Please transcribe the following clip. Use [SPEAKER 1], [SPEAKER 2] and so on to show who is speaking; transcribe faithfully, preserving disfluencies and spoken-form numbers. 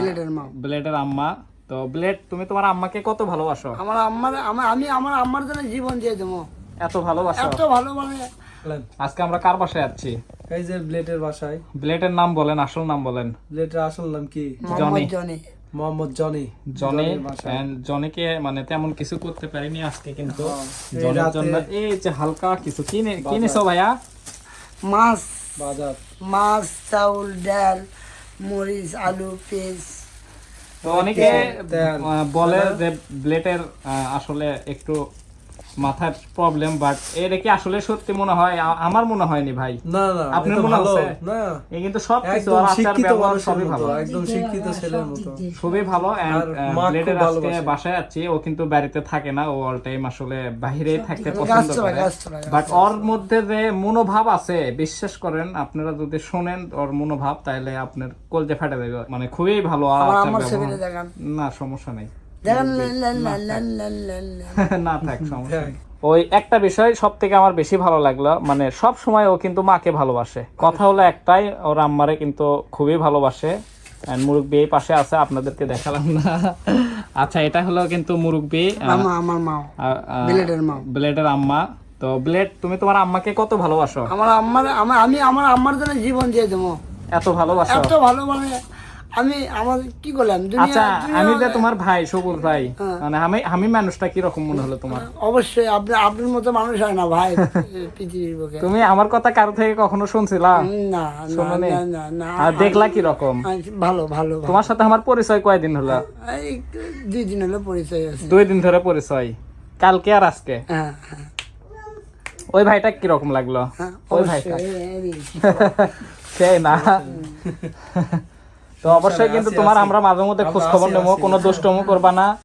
[SPEAKER 1] ব্লেডের মা।
[SPEAKER 2] ব্লেডের আম্মা। তো ব্লেড, তুমি তোমার আম্মাকে কত ভালোবাসো?
[SPEAKER 1] আমার আম্মার আমার আমি আমার আম্মার জন্য জীবন দিয়ে দেবো,
[SPEAKER 2] এত ভালোবাসো?
[SPEAKER 1] এত ভালো মানে।
[SPEAKER 2] আজকে আমরা কার বাসায় যাচ্ছি?
[SPEAKER 3] এই যে ব্লেডের বাসায়।
[SPEAKER 2] ব্লেডের নাম বলেন, আসল নাম বলেন।
[SPEAKER 3] ব্লেডের আসল নাম কি?
[SPEAKER 1] মোহাম্মদ জনি।
[SPEAKER 3] মোহাম্মদ জনি।
[SPEAKER 2] জনি।
[SPEAKER 3] জনির বাসায়।
[SPEAKER 2] and জনিকে মানে তেমন কিছু করতে পারিনি আজকে, কিন্তু
[SPEAKER 3] এই
[SPEAKER 2] জনের
[SPEAKER 3] রাতে
[SPEAKER 2] জন্য এই যে হালকা কিছু কিনে কিনেছো ভাইয়া।
[SPEAKER 1] মাছ,
[SPEAKER 3] বাজার।
[SPEAKER 1] মাছ, চাউল, ডাল, মরিচ, আলু, পেঁয়াজ।
[SPEAKER 2] তো অনেকে
[SPEAKER 3] তেল।
[SPEAKER 2] আহ, বলে যে ব্লেডের আহ, আসলে একটু মাথার প্রবলেম, বাট এটা কি আসলে সত্যি মনে হয়? আ- আমার মনে হয়নি ভাই।
[SPEAKER 3] না না
[SPEAKER 2] আপনার
[SPEAKER 3] এটা
[SPEAKER 2] মনে
[SPEAKER 3] ভালো
[SPEAKER 2] হচ্ছে?
[SPEAKER 3] না,
[SPEAKER 2] এই কিন্তু সবকিছু
[SPEAKER 3] একদম
[SPEAKER 2] আর আচার
[SPEAKER 3] শিক্ষিত
[SPEAKER 2] ব্যবহার
[SPEAKER 3] মানুষের
[SPEAKER 2] সবই
[SPEAKER 3] মতো,
[SPEAKER 2] ভালো,
[SPEAKER 3] একদম শিক্ষিত ছেলের মতো।
[SPEAKER 2] খুবই ভালো।
[SPEAKER 3] আর মা
[SPEAKER 2] ব্লেডের
[SPEAKER 3] খুব
[SPEAKER 2] আজকে
[SPEAKER 3] ভালোবাসে।
[SPEAKER 2] বাসায় আছি, ও কিন্তু বাড়িতে থাকে না, ও অল টাইম আসলে বাইরেই থাকতে
[SPEAKER 1] গাছ
[SPEAKER 2] পছন্দ
[SPEAKER 1] চড়ায়,
[SPEAKER 2] করে।
[SPEAKER 1] গাছ চড়ায়, গাছ
[SPEAKER 2] বাট
[SPEAKER 1] চড়ায়।
[SPEAKER 2] ওর মধ্যে যে মনোভাব আছে, বিশ্বাস করেন আপনারা যদি শোনেন ওর মনোভাব, তাহলে আপনার কলজে ফাটে যাবে। মানে খুবই ভালো আর
[SPEAKER 1] আমার
[SPEAKER 2] আচার
[SPEAKER 1] আম্মার
[SPEAKER 2] ব্যবহার।
[SPEAKER 1] ছবিটা দেখান,
[SPEAKER 2] না সমস্যা নেই,
[SPEAKER 1] দেখান। লেন, লেন, লেন, লেন, লেন, লেন, লেন।
[SPEAKER 2] না থাক, সমস্যা নেই। ওই একটা বিষয় সব থেকে আমার বেশি ভালো লাগলো, মানে সব সময় ও কিন্তু মাকে ভালোবাসে। কথা হলো একটাই, ওর আম্মারে কিন্তু খুবই ভালোবাসে। And মুরব্বি এই পাশে আছে, আপনাদেরকে দেখালাম না। আচ্ছা, এটা হলো কিন্তু মুরব্বি, আহ,
[SPEAKER 1] আমা আমার মা,
[SPEAKER 2] আহ, আহ,
[SPEAKER 1] ব্লেডের মা।
[SPEAKER 2] ব্লেডের আম্মা। তো ব্লেড, তুমি তোমার আম্মাকে কত ভালোবাসো?
[SPEAKER 1] আমার আম্মার আমার আমি আমার আম্মার জন্য জীবন দিয়ে দেবো,
[SPEAKER 2] এত ভালোবাসো?
[SPEAKER 1] এত ভালো মানে। আমি আমার কি করলাম দুনিয়া
[SPEAKER 2] আচ্ছা,
[SPEAKER 1] দুনিয়া-
[SPEAKER 2] আমি যে তোমার ভাই সবুজ ভাই,
[SPEAKER 1] হ্যাঁ।
[SPEAKER 2] মানে আমি আমি মানুষটা কি রকম মনে হলো তোমার?
[SPEAKER 1] অবশ্যই আপনি আপনার মতো মানুষ হয় না ভাই পৃথিবীর বুকে।
[SPEAKER 2] তুমি আমার কথা কারো থেকে কখনো শুনছিলা?
[SPEAKER 1] না না
[SPEAKER 2] শোনোনি?
[SPEAKER 1] না না না
[SPEAKER 2] আর দেখলা কি রকম?
[SPEAKER 1] আমি- ভালো ভালো ভালো।
[SPEAKER 2] তোমার সাথে আমার পরিচয় কয়দিন হলো?
[SPEAKER 1] এই দুই দিন হলো পরিচয় আছে।
[SPEAKER 2] দুই দিন ধরে পরিচয়, কালকে আর আজকে।
[SPEAKER 1] হ্যাঁ হ্যাঁ
[SPEAKER 2] ওই ভাইটা কি রকম লাগলো?
[SPEAKER 1] হ্যাঁ,
[SPEAKER 2] ওই
[SPEAKER 1] অবশ্যই।
[SPEAKER 2] ভাইটা
[SPEAKER 1] এই- এই-
[SPEAKER 2] সেই না? তো অবশ্যই কিন্তু তোমার আমরা মাঝে মধ্যে খোঁজ খবর নেবো, কোনো দুষ্টমো করবা না।